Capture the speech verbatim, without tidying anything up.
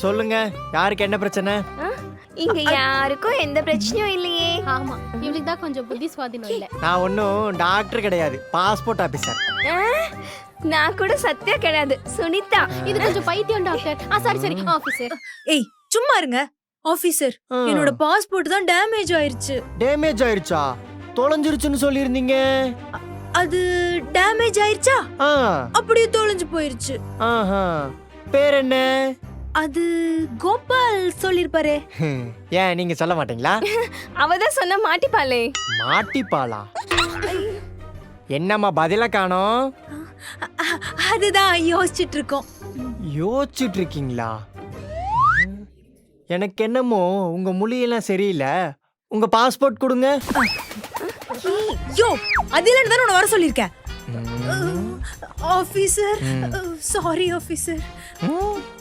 சொல்லுங்க, யாருக்கு என்ன பிரச்சனை? இங்க யாருக்கும் எந்த பிரச்சனையும் இல்லையே. ஆமா, இவளுக்கு தான் கொஞ்சம் புத்தி சுவாதீனம் இல்ல. நான் ஒன்றும் டாக்டர் கிடையாது, பாஸ்போர்ட் ஆபீசர். நான் கூட சத்யா கிடையாது, சுனிதா. இது கொஞ்சம் பைத்தியம் டாக்டர். ஆ சாரி சாரி ஆபீசர். ஏய் சும்மா இருங்க ஆபீசர். என்னோட பாஸ்போர்ட் தான் டேமேஜ் ஆயிருச்சு. டேமேஜ் ஆயிருச்சா? தொலைஞ்சிருச்சுன்னு சொல்லியிருந்தீங்க. அது டேமேஜ் ஆயிருச்சா? ஆ. அப்படியே தொலைஞ்சு போயிருச்சு. ஆஹா. பேர் என்ன? அது கோபால் சொல்லிருப்பாரே. ஏன் நீங்க சொல்ல மாட்டீங்களா? அவதான் சொன்ன மாட்டிப்பாளே. மாட்டிப்பாளா? என்னம்மா பதில காணோம்? அதுதான் யோசிச்சுட்டு இருக்கோம். யோசிச்சுட்டு இருக்கீங்களா? எனக்கு என்னமோ உங்க மொழியெல்லாம் சரியில்லை. உங்க பாஸ்போர்ட் கொடுங்க. யோ அதில தான உன்னை வர சொல்லிருக்கேன். Officer sorry officer.